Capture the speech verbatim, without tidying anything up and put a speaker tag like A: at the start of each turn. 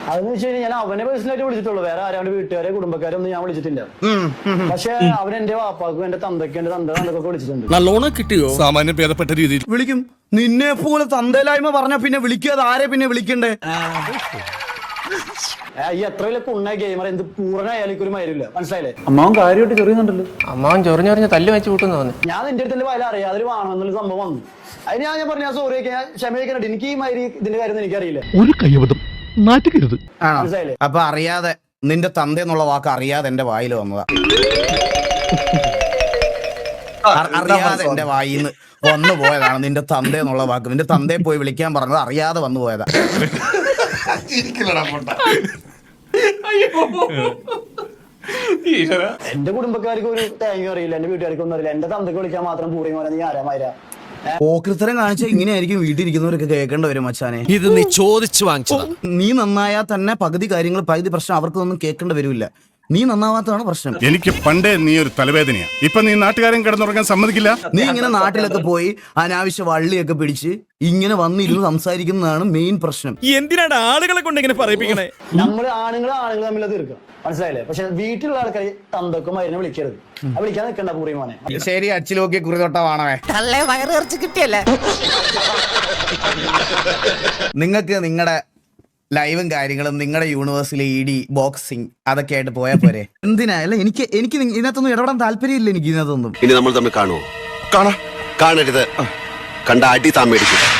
A: അതെന്ന് വെച്ച് കഴിഞ്ഞാൽ ഞാൻ അവനെ പേഴ്സണലായിട്ട് വിളിച്ചിട്ടുള്ളൂ, വേറെ ആരാണ്ട് വീട്ടുകാരെ കുടുംബക്കാരെ ഒന്നും ഞാൻ വിളിച്ചിട്ടില്ല. പക്ഷെ അവൻ എന്റെ വാപ്പാക്കും എന്റെ തന്തയ്ക്കും എന്റെ തന്ത തന്തൊക്കെ വിളിച്ചിട്ടുണ്ട്.
B: നല്ലോണം കിട്ടിയോ? സാമാന്യം ഭേദപ്പെട്ട രീതിയിൽ
C: വിളിക്കും. നിന്നെ പോലെ തന്തയിലായ്മ പറഞ്ഞ പിന്നെ വിളിക്കാതെ ആരെ പിന്നെ വിളിക്കണ്ടേ?
A: ഈ എത്ര വലിയ കുണ്ണ ഗെയിമർ എന്ത് പൂർണ്ണയാലും ഒരു മരുമില്ല, മനസ്സിലായില്ലേ?
D: അമ്മാവൻ കാര്യമായിട്ട് ചെറിയുന്നുണ്ടല്ലോ.
E: അമ്മാവൻ ചൊറിഞ്ഞൊറിഞ്ഞ് തല്ല് വെച്ച് കൂട്ടുന്നു തോന്നുന്നു.
A: ഞാൻ എന്റെ അടുത്ത് വയല അറിയാം അതിൽ വേണമെന്നുള്ള സംഭവം വന്നു. അതിന് ഞാൻ പറഞ്ഞ സോറി ഞാൻ ക്ഷമയൊക്കെ എനിക്ക് ഈ മാതിരി ഇതിന്റെ കാര്യം എനിക്കറിയില്ല.
B: ഒരു കയ്യബദ്ധം നാറ്റുകരുത്.
A: മനസ്സിലായില്ലേ?
C: അപ്പൊ അറിയാതെ നിന്റെ തന്ത എന്നുള്ള വാക്ക് അറിയാതെ എന്റെ വായിൽ വന്നതാ. അറിയാതെ എന്റെ വായിന്ന് വന്നു പോയതാണ് നിന്റെ തന്ത എന്നുള്ള വാക്ക്. നിന്റെ തന്തയെ പോയി വിളിക്കാൻ പറഞ്ഞത് അറിയാതെ വന്നു പോയതാ.
A: എന്റെ കുടുംബക്കാർക്ക് ഒരു തേങ്ങ അറിയില്ല, എന്റെ വീട്ടുകാർക്ക് ഒന്നും അറിയില്ല. എന്റെ തന്തക്ക് വിളിക്കാൻ മാത്രം പൂറി പോലെ നീ ആരാമാര
C: ഓക്രിത്തരം കാണിച്ച ഇങ്ങനെയായിരിക്കും വീട്ടിലിരിക്കുന്നവരൊക്കെ കേൾക്കേണ്ടി വരും മച്ചാനെ.
B: ഇത് നീ ചോദിച്ചു വാങ്ങിച്ചതാ.
C: നീ നന്നായാൽ തന്നെ പകുതി കാര്യങ്ങൾ പകുതി പ്രശ്നം അവർക്കൊന്നും കേൾക്കേണ്ടി വരില്ല. നീ നന്നാവാത്തതാണ് പ്രശ്നം.
F: എനിക്ക് പണ്ടേ നീ ഒരു തലവേദനയാ. ഇപ്പൊ നീ നാട്ടുകാരൻ കിടന്നുറങ്ങാൻ സമ്മതിക്കില്ല.
C: നീ ഇങ്ങനെ നാട്ടിലൊക്കെ പോയി അനാവശ്യ വള്ളിയൊക്കെ പിടിച്ച് ഇങ്ങനെ വന്നിരുന്ന് സംസാരിക്കുന്നതാണ് മെയിൻ പ്രശ്നം.
B: എന്തിനാണ് ആളുകളെ കൊണ്ട് ഇങ്ങനെ പറയിപ്പിക്കണേ?
A: നമ്മള് ആണുങ്ങൾ ആണുങ്ങൾ തമ്മിൽ തീർക്കണം, മനസ്സിലായില്ലേ? പക്ഷെ വീട്ടിലുള്ള ആൾക്കാർ തന്തക്കും മരുന്ന് വിളിക്കരുത്, വിളിക്കാൻ നിൽക്കണ്ട പൂറി മോനെ.
C: ശരി, അച്ചിലോക്കി കുറിതൊട്ടവാണവേ. നിങ്ങൾക്ക് നിങ്ങളുടെ ലൈവും കാര്യങ്ങളും നിങ്ങളുടെ യൂണിവേഴ്സിലെ ഇ ഡി ബോക്സിങ് അതൊക്കെ ആയിട്ട് പോയാൽ പോരെ? എന്തിനാ? അല്ല എനിക്ക് എനിക്ക് ഇതിനകത്തൊന്നും ഇടപെടാൻ താല്പര്യമില്ല. എനിക്ക് ഇതിനകത്തൊന്നും.
G: ഇനി നമ്മൾ തമ്മിൽ കാണുമോ? കാണാ കാണരുത്. കണ്ട അടി താൻ മേടിക്കും.